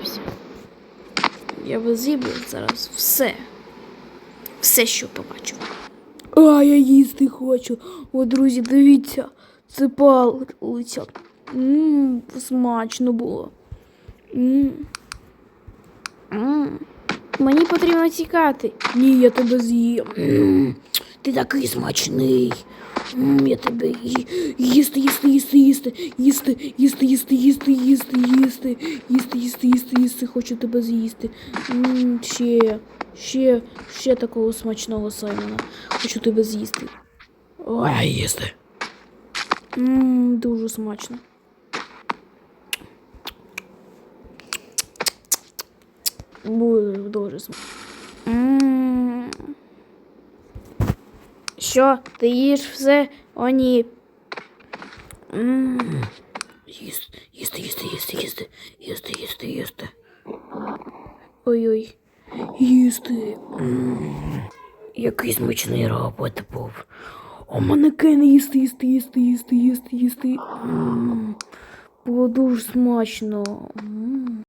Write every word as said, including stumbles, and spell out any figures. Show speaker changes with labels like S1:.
S1: наївся. Я би з'їв зараз все. Все, що побачу. А, я їсти хочу. О, друзі, дивіться. Це палиця. Ммм, смачно було. Ммм. Ммм. Мені потрібно тікати. Ні, я тебе з'їм. Ммм, ти такий смачний. Ммм, я тебе ї... їсти, їсти, їсти, їсти, їсти, їсти, їсти, їсти, їсти, їсти, їсти, їсти, їсти, їсти, хочу тебе з'їсти. Ммм, ще, ще, ще такого смачного Саймона. Хочу тебе з'їсти.
S2: Ой, їсти.
S1: Ммм, дуже смачно. Буде дуже смачно. Ммм. Що, ти їш все? О, ні. Ммм.
S2: Їсти, їсти, їсти, їсти, їсти, їсти, їсти, їсти.
S1: Ой-ой. Їсти.
S2: Ммм, який смачний робот був.
S1: О, манекен їсти, їсти, їсти, їсти, їсти, їсти. Ммм. Було дуже смачно. Ммм.